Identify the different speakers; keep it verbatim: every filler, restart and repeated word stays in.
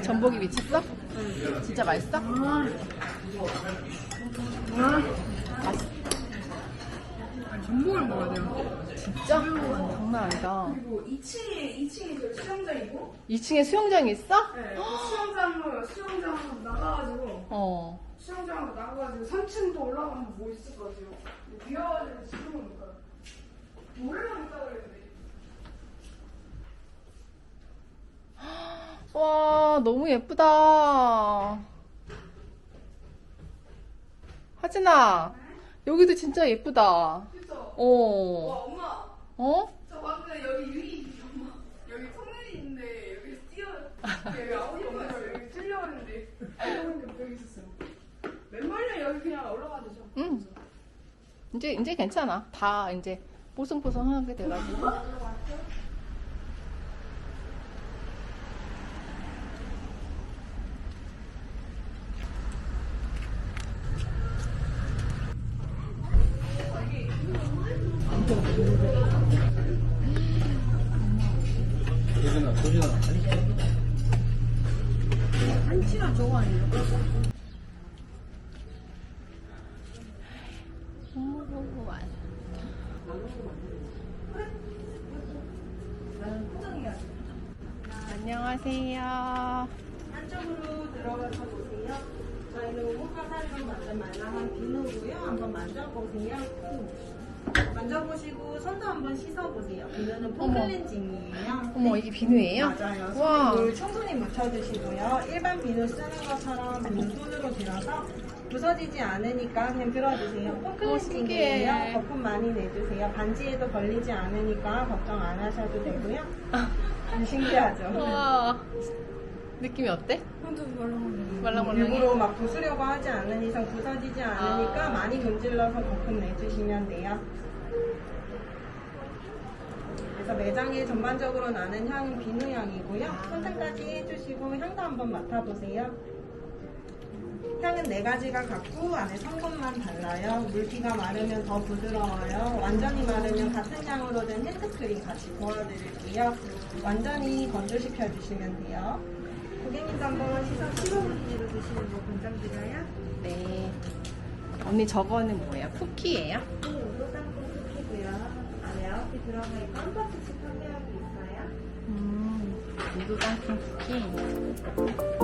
Speaker 1: 전복이 미쳤어? 응. 진짜 맛있어?
Speaker 2: 아.
Speaker 1: 맛있어.
Speaker 2: 전복을 먹어야 돼요.
Speaker 1: 진짜? 장난 아니다.
Speaker 2: 그리고 이 층에 이 층에 저 수영장이고.
Speaker 1: 이 층에 수영장이 있어?
Speaker 2: 네. 수영장으로 수영장 나가가지고.
Speaker 1: 어.
Speaker 2: 수영장 나가가지고 삼 층도 올라가면 뭐 있을 것 같아요. 비와가지고 지금 오니까 노래만 있다 그랬는데.
Speaker 1: 와, 너무 예쁘다. 하진아, 여기도 진짜 예쁘다.
Speaker 2: 그쵸?
Speaker 1: 어.
Speaker 2: 와 엄마.
Speaker 1: 어?
Speaker 2: 저 방금 여기 유리 엄마 여기 터널이 있는데 여기 뛰어 여기 아무도 없어서 여기 뛰려고 했는데 알고 보니까 여기 있었어요. 웬만하면 여기 그냥 올라가 되죠.
Speaker 1: 응. 이제, 이제 괜찮아. 다 이제 뽀송뽀송하게 돼가지고.
Speaker 3: 도진아, 도진아.
Speaker 2: 한치랑 저거 아니에요?
Speaker 1: 안녕하세요.
Speaker 4: 안쪽으로 들어가서 보세요. 저희는 호가살로 만든 말랑한 비누고요. 한번 만져보세요. 만져보시고 손도 한번 씻어보세요. 비누는 폼클렌징이에요.
Speaker 1: 어머, 이게 비누예요?
Speaker 4: 맞아요.
Speaker 1: 와.
Speaker 4: 물 충분히 묻혀주시고요. 일반 비누 쓰는 것처럼 비누 손으로 들어서 부서지지 않으니까 그냥 들어주세요.
Speaker 1: 어, 신기해.
Speaker 4: 폼클렌징이에요. 거품 많이 내주세요. 반지에도 걸리지 않으니까 걱정 안 하셔도 되고요. 신기하죠?
Speaker 1: 와. 느낌이 어때?
Speaker 2: 혼자도 말랑말랑.
Speaker 1: 말랑말랑해?
Speaker 4: 일부러 막 부수려고 하지 않는 이상 부서지지 않으니까
Speaker 1: 아.
Speaker 4: 많이 문질러서 거품 내주시면 돼요. 그래서 매장에 전반적으로 나는 향은 비누 향이고요. 선택까지 해주시고 향도 한번 맡아보세요. 향은 네 가지가 같고 안에 성분만 달라요. 물기가 마르면 더 부드러워요. 완전히 마르면 같은 향으로 된 핸드크림 같이 부어드릴게요. 완전히 건조시켜 주시면 돼요. 고객님도 한번 시선 십오 분지로 드시는 거 권장드려요.
Speaker 1: 네. 언니 저거는 뭐예요? 쿠키예요?
Speaker 4: 네, 우도 땅콩 쿠키고요. 안에 아홉 개 들어가 있고 한 박스씩 판매하고 있어요.
Speaker 1: 음, 우도 땅콩 쿠키.